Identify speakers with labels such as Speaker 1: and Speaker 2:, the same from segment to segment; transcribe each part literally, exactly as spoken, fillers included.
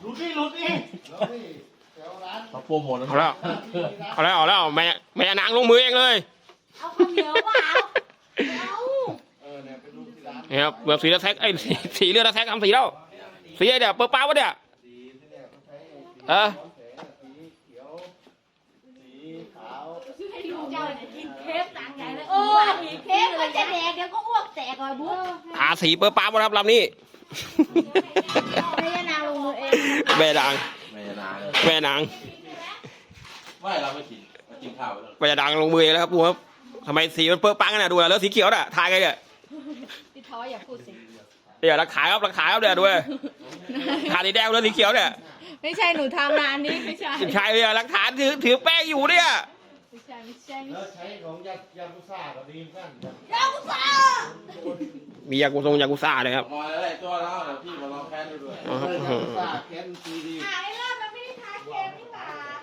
Speaker 1: ลุดนี่ลุดนี่
Speaker 2: มาโปรโมท
Speaker 3: เอาแล้วเอาแล้วเอาแล้วแม่แม่นางลงมือเองเลย
Speaker 4: เอาข้าวเหนียวเปล่าเอา
Speaker 3: นี่ครับแบบสีเลือดแท็กไอ้สีสีเลือดแท็กทำสีแล้วสีเดี๋ยวเปิดป้าวะเนี่ยเออ
Speaker 4: ให้ลูกเจ้าเนี่ยกินเค้กต่างใหญ่เลยโอ้ยเค้กมันจะแดกเดี๋ยวก็อ้วกแตกก่อนบุ๊ค
Speaker 3: หาสีเปิดป้าวะครับลำนี้
Speaker 4: แม่นางลงมือเอง
Speaker 3: แม่นาง
Speaker 2: ไม่นาน
Speaker 3: แม่นาง
Speaker 2: ไม่เราไม่กินมากินข้าวแล้ว
Speaker 3: แม่นางลงมือเองแล้วครับดูครับทำไมสีมันเปิดปังกันน่ะดูแล้วสีเขียวน่ะทายกันเนี่ย
Speaker 4: พี่ท้ออย่าพูดสิ
Speaker 3: เดี๋ยวรักขายครับรักขายครับเดี๋ยวด้วยขาสีแดงแล้วสีเขียวเนี่ย
Speaker 4: ไม่ใช่หนูทำร้านนี้ไม่ใช่
Speaker 3: ใช่เนี่ยรักฐานถือถือแป้งอยู่เนี่ย
Speaker 4: ไม่ใช่ไม่ใช่
Speaker 1: แล้วใช้ของยายากุซ่าก็ดีเหมือนกัน
Speaker 4: ยากุซ่า
Speaker 3: มียากุซงยากุซ่าเลยครับ
Speaker 2: มาเลยตัวแล้วเดี๋ยวพี่มาลองแพ้ดูด้วย
Speaker 3: อ๋อครับ
Speaker 1: ยากุซ่าแคนซีดี
Speaker 4: หายแล้วมันไม่ได้ทาเค็มนี่หว่า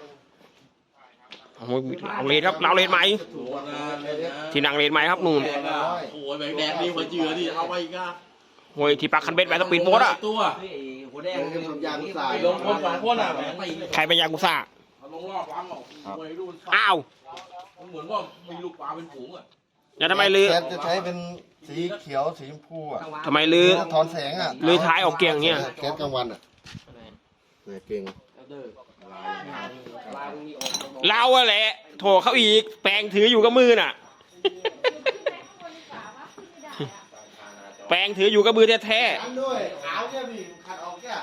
Speaker 3: เอาเลนครับเราเลนไหม
Speaker 2: ถูกนานเลยนะ
Speaker 3: ที่นางเลนไหมครับนู่น
Speaker 2: แดงอ่ะโอ้ยแบงแดงดีกว่าเจือดิเอาไปอีกอ่ะ
Speaker 3: โอ้ยที่ปักคันเบ็ดไปสปีดโบ๊ทอ่ะ
Speaker 2: ตัว
Speaker 1: หัวแดงเป็นของยากุซ่า
Speaker 2: ลงคนสองคนอ่ะแบงไป
Speaker 3: ใครเป็นยากุซ่า
Speaker 2: เอาลงรอบวางออกมวยดู
Speaker 3: อ้าว
Speaker 2: มันเหมือนว่ามีลูกปลาเป็นฝูงอ่ะ
Speaker 3: แล้วทำไมลือ
Speaker 1: แคทจะใช้เป็นสีเขียวสีชมพูอ่ะ
Speaker 3: ทำไมลือ
Speaker 1: ถอนแสงอ่ะ
Speaker 3: ลือท้ายออกเกียงเนี่ย
Speaker 1: แคทกลางวันอ่ะเนี่ยเก่ง
Speaker 3: เราอะแหละโถเขาอีกแปลงถืออยู่กับมือน่ะ แปลงถืออยู่กับมือแท้
Speaker 1: อันด้วยขาวเนี่ยพี่ขัดออกแก่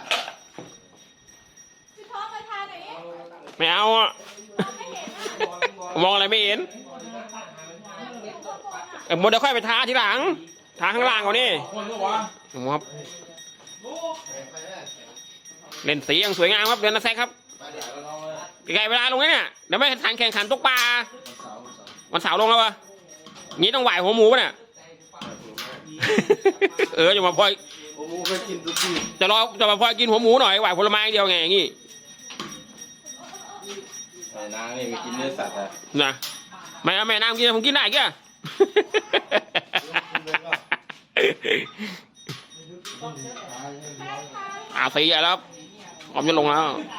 Speaker 4: พี่ท้อมาทานหน่อยดิ
Speaker 3: ๆไม่เอาอ่ะมองอะไรไม่เห็นเออหมดเดี๋ยวค่อยไปทาทีหลังทาข้างล่างก่อนนี่
Speaker 2: คนก็วะ
Speaker 3: ครับเล่นสีอย่างสวยงามครับเดือนละแซกครับไกลเวลาลงเนี่ยเดี๋ยวไม่ทันแข่งขันตกปลาวันเสาร์ลงแล้ววะงี้ต้องไหวหัวหมูป่ะเนี่ย เออจะมาพลอย
Speaker 1: โอ้โหเคยกินทุกที
Speaker 3: จะรอจะมาพลอยกินหัวหมูหน่อยไหวผลไม้อย่างเดียวไงอย่างงี้
Speaker 2: ไอ้นางนี่ไปกินเนื้อสัตว์อ่ะ
Speaker 3: นะไม่เอาแม่น้ำกินผมกินได้แก่ อาสีแล้วครับพร้อมจะลงแล้ว